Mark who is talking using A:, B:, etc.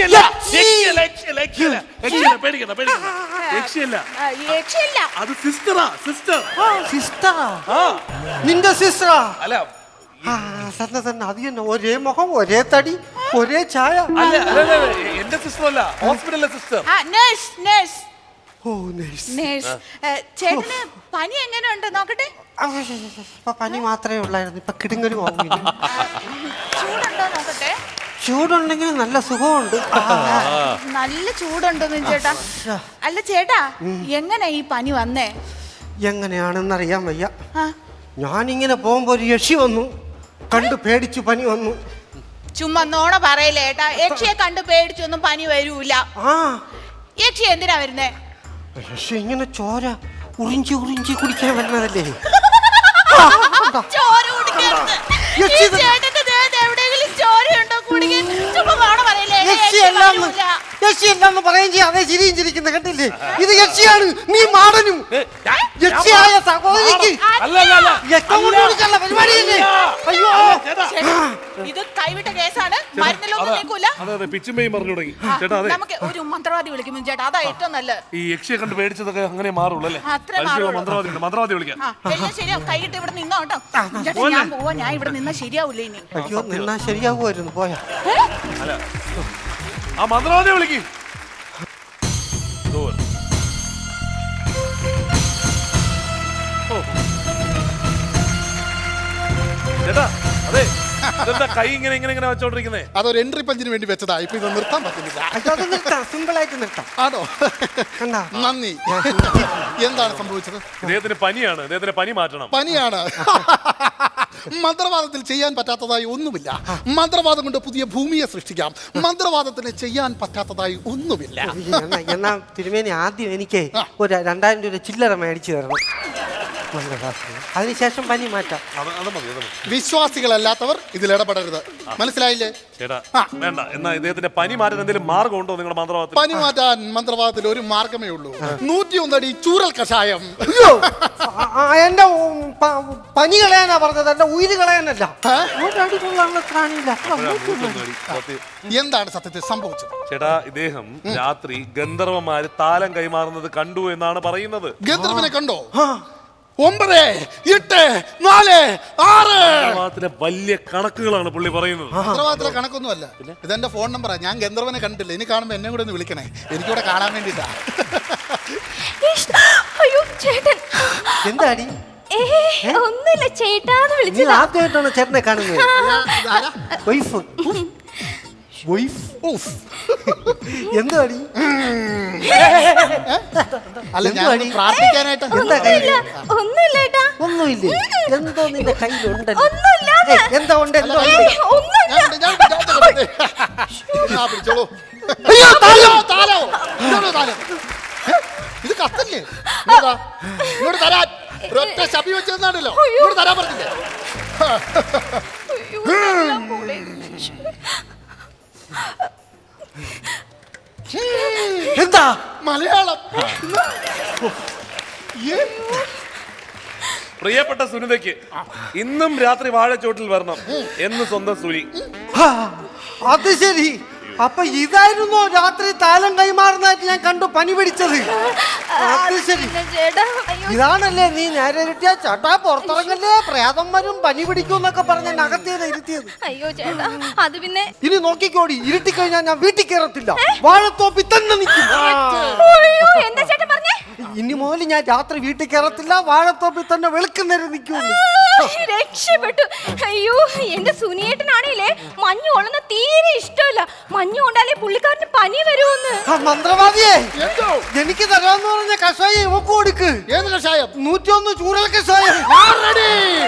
A: നിന്റെ സിസ്റ്ററാ? അല്ല തന്നെ അത് തന്നെ, ഒരേ മുഖം ഒരേ തടി ഒരേ ചായ.
B: എന്റെ സിസ്റ്റർ അല്ല, ഹോസ്പിറ്റലിലെ സിസ്റ്റർ.
C: ചേട്ടന് പനി എങ്ങനെയുണ്ട് നോക്കട്ടെ.
A: പനി മാത്രമേ ഉള്ളായിരുന്നു, ഇപ്പൊ കിടുങ്ങലും
C: ചൂടുണ്ടോ നോക്കട്ടെ.
A: ചൂടുണ്ടെങ്കിൽ നല്ല സുഖമുണ്ട്.
C: നല്ല ചൂടുണ്ടോന്ന് ചേട്ടാ? അല്ല ചേട്ടാ, എങ്ങനെ ഈ പനി വന്നേ?
A: എങ്ങനെയാണെന്നറിയാൻ വയ്യ. ഞാനിങ്ങനെ പോകുമ്പോ ഒരു യക്ഷി വന്നു, കണ്ടു പേടിച്ചു പനി വന്നു.
C: ചുമ്മാ നോണ പറയല്ലേ ഏട്ടാ, യക്ഷിയെ കണ്ടു പേടിച്ചൊന്നും പനി വരൂല. യക്ഷി എന്തിനാ വരുന്നേ?
A: യക്ഷി ഇങ്ങനെ ചോര ഉറിഞ്ചി ഉറിഞ്ചി കുടിക്കാൻ വരുന്നതല്ലേ.
C: ചോര കുടിക്കരുത്. എവിടെയെങ്കിലും ചോരയുണ്ടോ കുടിക്കാൻ? ചുമ്മാ നോണ പറയല്ലേ.
A: യക്ഷിയല്ലെന്ന് പറയുകയും ചെയ്യാം, അതേ ചിരിയും ചിരിക്കുന്ന കണ്ടില്ലേ? ഇത് യക്ഷിയാണ്, നീ മാടനും. യക്ഷിയായ സഹോദരിക്ക് പരിപാടിയല്ലേ? അയ്യോ,
C: ഇത് കൈവിട്ട കേസാണ്, മരുന്നിലൊന്നും നിൽക്കൂല. നമുക്ക് ഒരു മന്ത്രവാദി വിളിക്കും ചേട്ടാ, അതാ ഏറ്റവും നല്ലത്.
B: ഈ യക്ഷിയെ കണ്ട് പേടിച്ചതൊക്കെ അങ്ങനെ മാറുള്ളൂ അല്ലേ? മന്ത്രവാദി വിളിക്കാം.
C: എല്ലാം ശരിയാവും, കൈകിട്ട് ഇവിടെ നിന്നോ കേട്ടോ. ഞാൻ പോവാ, ഞാൻ ഇവിടെ നിന്നാ ശരിയാവൂല ഇനി.
A: അയ്യോ, നിന്നാ ശരിയാവുമായിരുന്നു, പോയാ.
B: ആ മന്ത്രവാദി വിളിക്കും. ചേട്ടാ, അതെ, കൈ ഇങ്ങനെ ഇങ്ങനെ ഇങ്ങനെ വെച്ചോണ്ടിരിക്കുന്നേ?
D: അതൊരു എൻട്രി പഞ്ചിന് വേണ്ടി വെച്ചതാ, ഇപ്പൊ ഇത് നിർത്താൻ പറ്റുന്നില്ല.
A: സിമ്പിൾ ആയിട്ട് നിർത്താം.
D: ആണോ? നന്ദി. എന്താണ് സംഭവിച്ചത്?
B: ഇദ്ദേഹത്തിന് പനിയാണ്, ഇദ്ദേഹത്തിന് പനി മാറ്റണം.
D: പനിയാണ്. മന്ത്രവാദത്തിൽ ചെയ്യാൻ പറ്റാത്തതായി ഒന്നുമില്ല. മന്ത്രവാദം കൊണ്ട് പുതിയ ഭൂമിയെ സൃഷ്ടിക്കാം. മന്ത്രവാദത്തിന് ചെയ്യാൻ പറ്റാത്തതായി ഒന്നുമില്ല.
A: എന്നാ തിരുമേനി, ആദ്യം എനിക്ക് ഒരു 2000 രൂപ ചില്ലറ മേടിച്ചു തരണം, അതിനുശേഷം പനി മാറ്റാം.
D: വിശ്വാസികളല്ലാത്തവർ ഇതിൽ ഇടപെടരുത്, മനസ്സിലായില്ലേ?
B: വേണ്ട. എന്നാ ഇദ്ദേഹത്തിന്റെ പനി മാറ്റാൻ എന്തെങ്കിലും മാർഗം ഉണ്ടോ നിങ്ങളുടെ മന്ത്രവാദത്തിൽ?
D: പനി മാറ്റാൻ മന്ത്രവാദത്തിൽ ഒരു മാർഗമേ ഉള്ളൂ. 101 അടി ചൂരൽ കഷായം.
A: എന്റെ പനി കളയാനാ പറഞ്ഞത്, എന്റെ ഉയിര് കളയാനല്ല.
D: എന്താണ് സത്യത്തിൽ സംഭവിച്ചത്?
B: ചേട്ടാ, ഇദ്ദേഹം രാത്രി ഗന്ധർവന്മാര് താലം കൈമാറുന്നത് കണ്ടു എന്നാണ് പറയുന്നത്.
D: ഗന്ധർവനെ കണ്ടോ? 9, 8, 4, 6
B: വലിയ കണക്കുകളാണ് പുള്ളി പറയുന്നത്.
D: ഗന്ധർവത്തിലെ കണക്കൊന്നുമല്ല, ഇതെന്റെ ഫോൺ നമ്പറാ. ഞാൻ ഗന്ധർവനെ കണ്ടിട്ടില്ല, ഇനി കാണുമ്പോ എന്നെ കൂടെ ഒന്ന് വിളിക്കണേ, എനിക്കിവിടെ കാണാൻ വേണ്ടിട്ടാ.
A: എന്താടി?
E: ഒന്നുമില്ല ചേട്ടാന്ന് വിളിച്ചത്.
A: ആദ്യമായിട്ടാണ് ചേട്ടനെ കാണുന്നത്. എന്താടി?
D: അല്ല, ഞാൻ പ്രാർത്ഥിക്കാനായിട്ട്.
E: ഒന്നുമില്ല.
A: ഒന്നുമില്ലേ? എന്തോ നിന്റെ കയ്യിലുണ്ടല്ലോ.
D: എന്താ ഉണ്ട്? ഇത് കത്തല്ലേ? ഇങ്ങോട്ട് തരാൻ ഒരൊറ്റ ശബി വെച്ചെന്നാണല്ലോ, ഇങ്ങോട്ട് തരാൻ പറഞ്ഞില്ലേ?
A: എന്താ?
D: മലയാളം.
B: പ്രിയപ്പെട്ട സുനിതയ്ക്ക് ഇന്നും രാത്രി വാഴച്ചോട്ടിൽ വരണം എന്ന് സ്വന്തം സുനി.
A: അത് ശരി, അപ്പൊ ഇതായിരുന്നോ രാത്രി താലം കൈമാറുന്നതായിട്ട് ഞാൻ കണ്ടു പനി പിടിച്ചത്? അത് ശരി, ഇതാണല്ലേ നീ നേരെ ഇരുട്ടിയ ചേട്ടാ പുറത്തിറങ്ങല്ലേ, പ്രേതം വരും പനി പിടിക്കും എന്നൊക്കെ പറഞ്ഞ അകത്തേത് ഇരുത്തിയത്.
E: അയ്യോ ചേട്ടാ, അത് പിന്നെ
A: ഇനി നോക്കിക്കോടി, ഇരുട്ടിക്കഴിഞ്ഞാൽ ഞാൻ വീട്ടിൽ കയറത്തില്ല, വാഴത്തോപ്പിൽ തന്നെ നിൽക്കും.
E: എന്താ ചേട്ടാ പറഞ്ഞേ?
A: ഇനി മുതൽ ഞാൻ രാത്രി വീട്ടിൽ കയറത്തില്ല, വാഴത്തോപ്പിൽ തന്നെ വെളുക്കുന്നേരം നിൽക്കുള്ളൂ.
E: രക്ഷപ്പെട്ടു. അയ്യോ, എന്റെ സുനിയേട്ടനാണേലേ മഞ്ഞ് കൊള്ളുന്ന തീരെ ഇഷ്ടമല്ല. മഞ്ഞ് കൊണ്ടാലേ പുള്ളിക്കാരന് പനി വരുമെന്ന്.
A: മന്ത്രവാദിയെ, എനിക്ക് തരാന്ന് പറഞ്ഞ കഷായം ഇവക്ക് കൊടുക്ക്.
D: ഏത് കഷായം?
A: 101 ചൂരൽ കഷായം.